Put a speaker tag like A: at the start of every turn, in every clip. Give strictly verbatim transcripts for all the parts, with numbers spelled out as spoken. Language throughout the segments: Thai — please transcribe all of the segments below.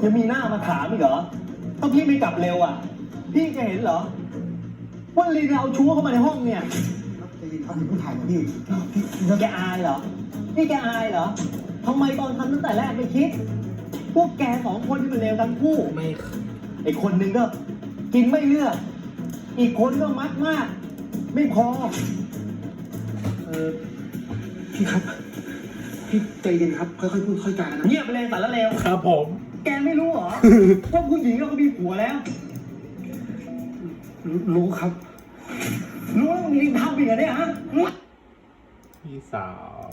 A: ยังมีหน้ามาถามอีกเหรอถ้าพี่ไม่กลับเร็วอ่ะพี่จะเห็นเหรอว่าลีนเอาชู้เข้ามาในห้องเนี่ยจะยินเขาถึงผู้ถ่ายนะพี่พี่แกอายเหรอนี่แกอายเหรอทำไมตอนทำตั้งแต่แรกไม่คิดพวกแกสองคนที่เป็นเลวทั้งคู่ไม่ไอคนหนึ่งก็กินไม่เลือกอีกคนก็มักมากไม่พอเออพี่ครับพี่ใจเย็นครับค่อยๆพูดค่อยๆจานะเงียบไปเลยสารเลว
B: ครับผม
A: แกไม่รู้เหรอ ว่าผู้หญิงเราก็มีผัวแล้ว รู้ครับ รู้แล้วมีทำอีกเหรอเนี่ยฮะ
B: พี่สาว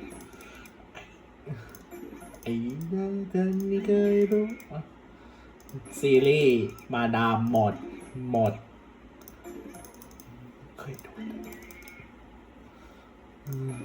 B: ไอ้ยังเธอไม่เคยรู้ซีรีส์มาดามหมดหมดเคยดูอืม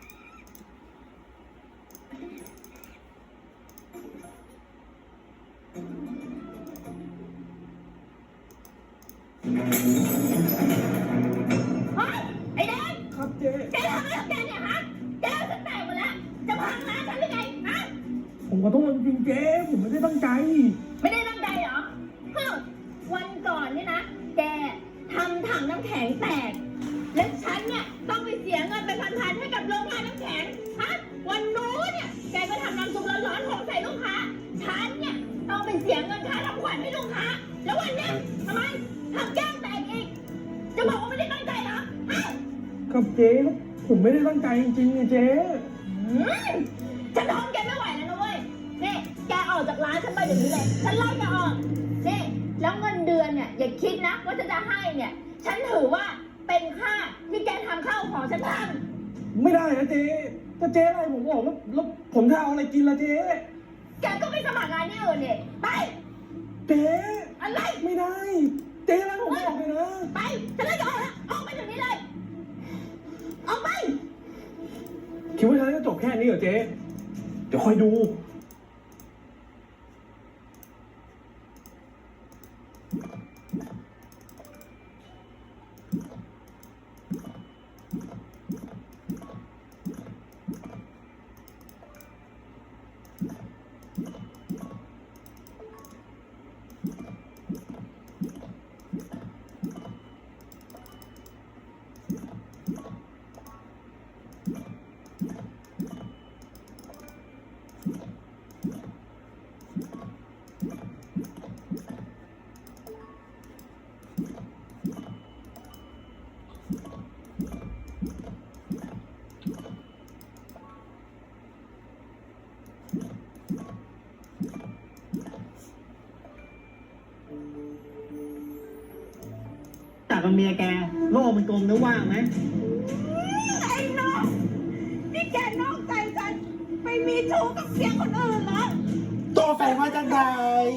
C: เฮ้ยไอ้แดง
A: ครับเจ๊
C: แกทำอะไรกับแกเนี่ยฮะแกฉันแตกหมดแล้วจะพังร้านฉันหรือไงฮะ
A: ผมขอโทษจริงๆเจ๊ผมไม่ได้ตั้งใจ
C: ไม่ได้ตั้งใจเหรอฮึวันก่อนเนี่ยนะแกทำถังน้ำแข็งแตกและฉันเนี่ยต้องไปเสียเงินเป็นพันๆให้กับโรงงานน้ำแข็งฮะวันนู้นเนี่ยแกก็ทำน้ำซุปร้อนๆของใส่ลูกค้าฉันเนี่ยต้องไปเสียเงินค่าทำขวัญให้ลูกค้าแล้ววันเนี้ยทำไมทำแก้มแตกอีกจะบอกว่าไม่ได้ตั้งใจเหรอฮะ
A: ครับเจ๊ผมไม่ได้ตั้งใจจริงๆเจ๊
C: ฉันทนแกไม่ไหวแล้วนะเว้ยนี่แกออกจากร้านฉันไปเดี๋ยวนี้เลยฉันไล่แกออกนี่แล้วเงินเดือนเนี่ยอย่าคิดนะว่าฉันจะให้เนี่ยฉันถือว่าเป็นค่าที่แกทำข้าวของฉันท
A: ำไม่ได้นะเจ๊ถ้าเจ๊อะไรผมบอกแล้วแล้วผมจะเอาอะไรกินล่ะเจ๊
C: แกก็ไปสมัครงานที่อื่นเนี่ยไป
A: เจ๊
C: อะไร
A: ไม่ได้เจ๊อะไรผมบอกเลยนะ
C: ไปฉันไล่แกออกแล้วออกไปเดี๋ยวนี้เลยออกไป
A: คิดว่าฉันจะจบแค่นี้เหรอเจ๊เดี๋ยวคอยดูจากกับเมียแกโลกมันกลมนะว่างไหม
C: ไอ้น้องนี่แกนอกใจฉันไปมีชู้กับเสียคนอื่นเหรอ
B: ตัวแฟนมาจากไหน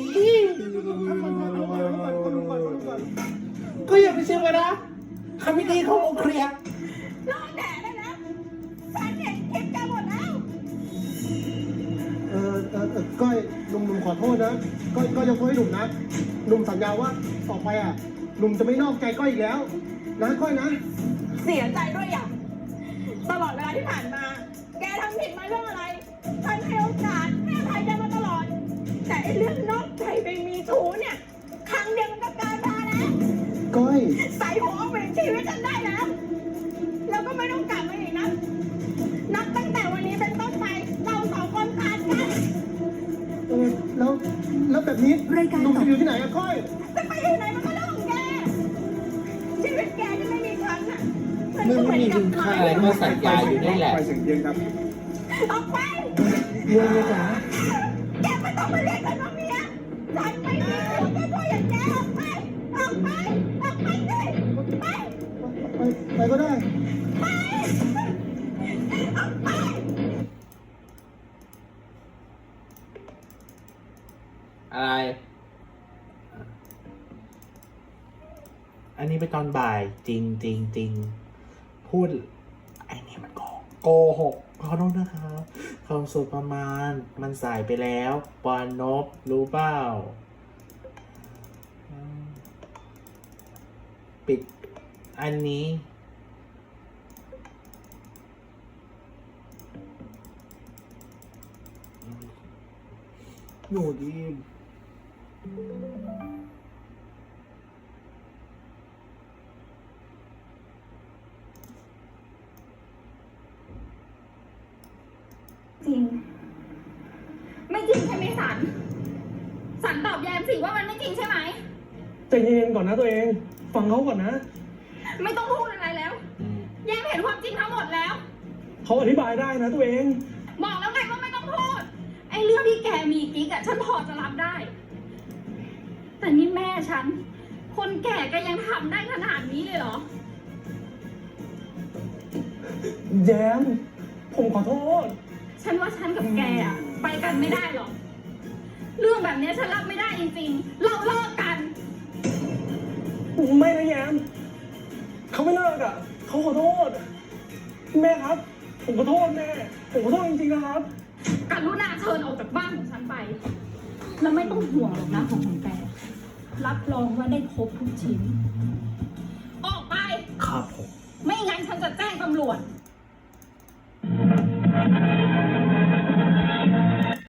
B: ก็อย่าไปเชื่อกันนะคำพิธีเขาลงเคลียร์
C: รอแดดได้แล้วฉันเห็นคลิปแกหมดแล้ว
A: เออเออก้อยหนุ่มหนุ่มขอโทษนะก้อยก้อยยกโทษให้หนุ่มนะหนุ่มสัญญาว่าต่อไปอ่ะหนุ่มจะไม่นอกใจก้อยอีกแล้วนะก้อยนะ
C: เสียใจด้วยอย่างตลอดเวลาที่ผ่านมาแกทำผิดมาเรื่องอะไรฉันให้โอกาสให้อภัยแกมาตลอดแต่ไอ้เรื่องนอกใจไปมีชู้เนี่ยครั้งเดียวมันก็เกินพอแล้ว
A: ก้อย
C: ใส่หัวเอาเปลี่ยนชีวิตฉันได้แล้วแล้วก็ไม่ต้องกลับมาอีกนะนับตั้งแต่วันนี้เป็นต้นไปเราสองคนขาดกัน
A: เออแล้วแล้วแบบนี้หนุ่มจะอยู่ที่ไหนอะก้อย
C: จะไปอยู่ไหนมันก็เรื่องของแกชีวิตแกที่ไม่มีฉันน่ะ
B: ไม่มีคุณค่าอะไรก็สัญญาอยู่นี่แหละ
A: ไปเสียงเย็นครับ
C: ออกไป
A: เมียเมียจ๋า
C: แกไม่ต้องมาเรียกกันว่าเมียฉันไม่มีผัวตัวอย่างแกออกไปออกไปออกไปสิไป
A: ไปไปก็ได้
C: ไปออกไป
B: อะไรอันนี้ไปตอนบ่ายจริงจริงจริงพูดไอ้นี่มันโกโกหกขอโทษนะครับความสุขประมาณมันสายไปแล้วปอนนบรู้เปล่าปิดอันนี้หนูดี
C: จริง ไม่จริงใช่ไหมสัน สันตอบแยมสิว่ามันไม่จริงใช่ไหม
D: ใจเย็นๆก่อนนะตัวเอง ฟังเขาก่อนนะ
C: ไม่ต้องพูดอะไรแล้ว แยมเห็นความจริงทั้งหมดแล้ว
D: เขาอธิบายได้นะตัวเอง
C: บอกแล้วไงว่าไม่ต้องพูด ไอ้เรื่องที่แกมีกิ๊กอะฉันพอจะรับได้ แต่นี่แม่ฉัน คนแก่ก็ยังทำได้ขนาดนี้เลยเหรอ
D: แย้ม ผมขอโทษ
C: ฉันว่าฉันกับแกอะไปกันไม่ได้หรอก เรื่องแบบนี้ฉันรับไม่ได้จริงๆ เราเลิกกัน
D: ไม่นะแย้ม เขาไม่เลิกอ่ะ เขาขอโทษ แม่ครับ ผมขอโทษแม่ ผมขอโทษจริงๆนะครับ
C: กรุณาเชิญออกจากบ้านของฉันไป แล้วไม่ต้องห่วงหรอกนะของของแก รับรองว่าได้ครบทุกชิ้น ออกไป
B: ครับผม
C: ไม่งั้นฉันจะแจ้งตำรวจ